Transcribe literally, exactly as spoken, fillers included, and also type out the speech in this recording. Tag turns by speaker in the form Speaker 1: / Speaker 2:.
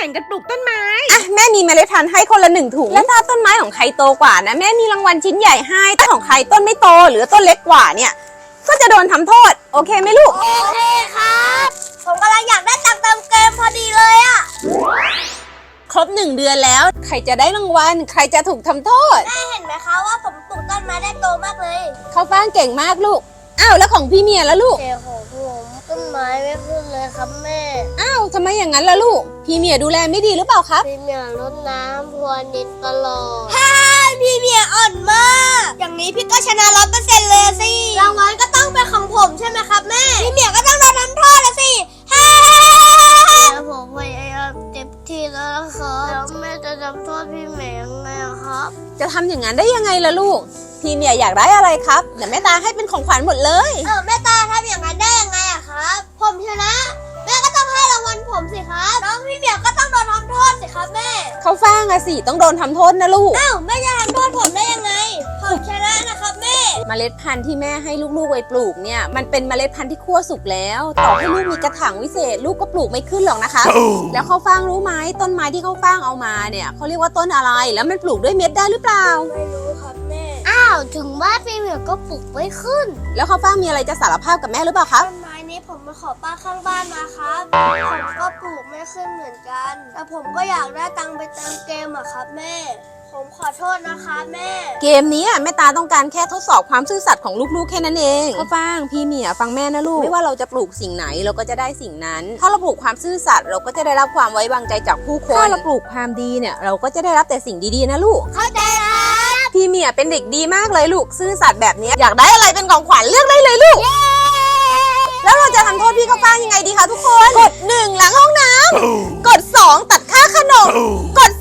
Speaker 1: ข่งกันปลูกต้นไม้
Speaker 2: อ่ะแม่มีเมล็ดพันธุ์ให้คนละหนึ่งถุงแล้วถ้าต้นไม้ของใครโตกว่านะแม่มีรางวัลชิ้นใหญ่ให้ถ้าของใครต้นไม่โตหรือต้นเล็กกว่าเนี่ยก็จะโดนทำโทษโอเคไหมลูก
Speaker 3: โอเคครับผมกำลังอยากได้ตังค์เติมเกมพอดีเลยอะ
Speaker 2: ครบหนึ่งเดือนแล้วใครจะได้รางวัลใครจะถูกทำโทษ
Speaker 3: แม่เห็นไหมคะว่าผมปลูกต้นไม้ได้โตมากเลย
Speaker 2: เขาฟ้างเก่งมากลูกอ้าวแล้วของพี่เมียแล้วลูก
Speaker 3: แต่ของผมต้นไม้ไม่ขึ้นเลยครับแม่
Speaker 2: อ้าวทำไมอย่างนั้นล่ะลูกพี่เมียดูแลไม่ดีหรือเปล่าครับ
Speaker 3: พี่เมียรดน้ำพรวนดินตลอดฮ่าพี่เมียอ่อนมากอย่างนี้พี่ก็ชนะร้อยเปอร์เซ็นต์เลยสิรางวัลก็ต้องเป็นของผมใช่ไหมครับแม่พี่เมียก็ต้องโดนทำโทษละสิฮ่าแล้วผมพยายามเต็มที่แล้วนะครับแล้วแม่จะทำโทษพี่เมียยังไงครับ
Speaker 2: จะทำอย่างนั้นได้ยังไงล่ะลูกพี่เมียอยากได้อะไรครับเดี๋ยวแม่ตาให้เป็นของขวัญหมดเลย
Speaker 3: เออแม่ตาทำอย่างนั้นได้ยังไงอะครับผมชนะแม่ก็ต้องให้รางวัลผมสิครับน้องพี่เมียก็ต้องโดนทำโทษสิครับแม่
Speaker 2: เขาฟ้างอะสิต้องโดนทำโทษนะลูก
Speaker 3: อ้าวแม่จะทำโทษผมได้ยังไงผมชนะนะครับแม่
Speaker 2: เมล็ดพันธุ์ที่แม่ให้ลูกๆไว้ปลูกเนี่ยมันเป็นเมล็ดพันธุ์ที่คั่วสุกแล้วต่อให้ลูกมีกระถางวิเศษลูกก็ปลูกไม่ขึ้นหรอกนะคะแล้วเขาฟ้างรู้ไหมต้นไม้ที่เขาฟ้างเอามาเนี่ยเขาเรียกว่าต้นอะไรแล้วมันปลูกด้วยเม็ดได้หรือเปล่า
Speaker 3: ไม่รู้ครับแม่อ้าวถึงว่าพี่เมียก็ปลูกไม่ขึ้น
Speaker 2: แล้วเขาฟ้างมีอะไรจะสารภาพกับแม่หรือเปล่าครับ
Speaker 3: ต้นไม้นี้ผมมาขอป้าข้างบ้านมาครับผมก็ปลูกไม่ขึ้นเหมือนกันแต่ผมก็อยากได้ตังค์ไปเติมเกมอะครับแม่ผมขอโทษนะคะแม่
Speaker 2: เกมนี้แม่ตาต้องการแค่ทดสอบความซื่อสัตย์ของลูกๆแค่นั้นเองเขาฟังพี่เมียฟังแม่นะลูกไม่ว่าเราจะปลูกสิ่งไหนเราก็จะได้สิ่งนั้นถ้าเราปลูกความซื่อสัตย์เราก็จะได้รับความไว้วางใจจากผู้คนถ้าเราปลูกความดีเนี่ยเราก็จะได้รับแต่สิ่งดีๆนะลูก
Speaker 3: เข้าใจครับ
Speaker 2: พี่เมียเป็นเด็กดีมากเลยลูกซื่อสัตย์แบบนี้อยากได้อะไรเป็นของขวัญเลือกได้เลยลูกแล้วเราจะทำโทษพี่เขาฟังยังไงดีคะทุกคนกดหนึ่งล้างห้องน้ำกดสองตัดค่าขนมกด